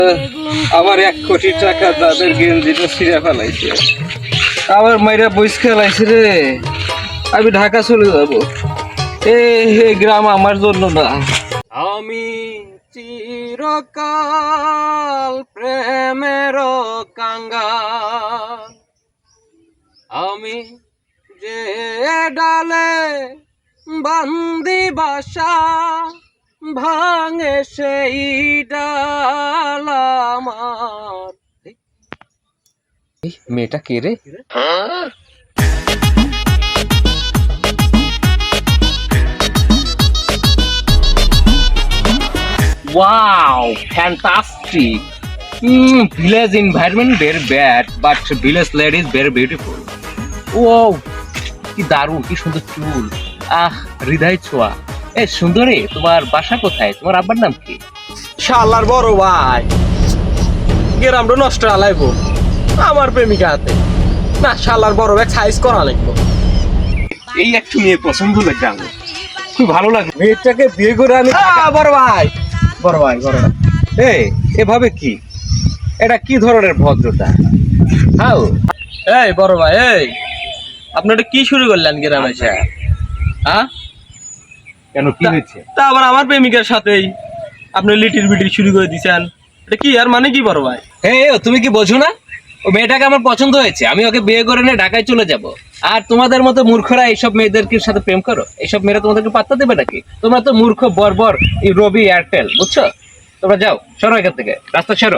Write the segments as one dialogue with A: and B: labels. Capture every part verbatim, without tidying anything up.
A: আমার এক কোটি টাকা তাদের গেঞ্জিটা ছিঁড়ে ফেলাইছে, আবার মাইরা বইস খেলাইছে রে। আমি ঢাকা চলে যাবো, এ হে গ্রাম আমার জন্য না। আমি চিরকাল প্রেমের কাঙ্গাল, আমি যে ডালে বান্দি বাসা, ভাঙে সেই ডাল আমার। মেয়েটা কে রে? Wow, fantastic. Mm, village environment very bad, but village lady is very beautiful. Wow, কি দারুণ, কি সুন্দর চুল, আহ হৃদয় ছোঁয়া। এই সুন্দরী, তোমার বাসা কোথায়? তোমার আব্বার নাম কি?
B: শালার বড় ভাই, গ্রামটা নষ্ট আলাইবো আমার প্রেমিকা হাতে না। শালার বড় ভাই সাইজ করা লাগবো।
A: এই একটু মেয়ে পছন্দ লাগবে আমার, খুব ভালো লাগে।
B: মেয়েটাকে বিয়ে করে আমি বড় ভাই বড় ভাই বড় ভাই
A: এই এভাবে কি, এটা কি ধরনের ভদ্রতা? হাউ
B: এই বড় ভাই, এই আপনারা কি শুরু করলেন গ্রামে এসে? হ্যাঁ,
A: কেন, কি হয়েছে?
B: তা আবার আমার প্রেমিকার সাথেই আপনি লিটির বিটির শুরু করে দিয়েছেন, এটা কি আর মানে কি বড় ভাই?
A: হে, তুমি কি বোঝো না? ও মেয়েটাকে আমার পছন্দ হয়েছে, আমি ওকে বিয়ে করে নিয়ে ঢাকায় চলে যাব। আর তোমাদের মতো মূর্খরা এইসব মেয়েদেরকে সাথে প্রেম করো? এইসব মেয়েরা তোমাদেরকে পাত্তা দেবে নাকি? তোমরা তো মূর্খ বর্বর, এই রবি এয়ারটেল, বুঝছো? তোমরা যাও, সরো এখান থেকে, রাস্তা সরো।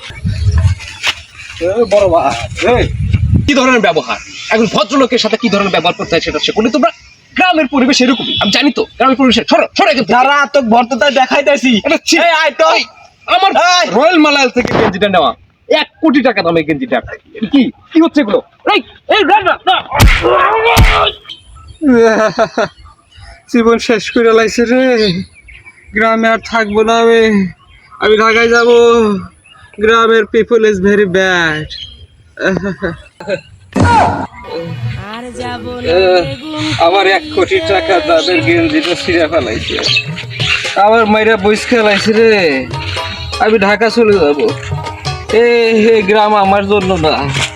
B: বড় ভাই,
A: এই কি ধরনের ব্যবহার, এখন ভদ্রলোকের সাথে কি ধরনের ব্যবহার করতে হয় সেটা শেখো। তোমরা গ্রামের পরিবেশ এরকমই, আমি জানি তো গ্রামের পরিবেশ। সরো সরো এখান থেকে।
B: যারা তো ভর্ততা দেখাইতেছি
A: আমার রয়্যাল মালায়াল থেকে গেঞ্জিটা নেওয়া, এক কোটি টাকা দামে গেঞ্জিটা। কি কি হচ্ছে এগুলো? জীবন শেষ করে লাইছে রে, গ্রামে আর থাকবো না আমি, আমি ঢাকায় যাব। গ্রামের পিপল ইজ ভেরি ব্যাড। আমার এক কোটি টাকা তাদের গেঞ্জিটা ছিঁড়ে ফেলাইছে, আবার মাইরা বইস খেলাইছে রে। আমি ঢাকা চলে যাবো, এ হে গ্রাম আমার জন্য না।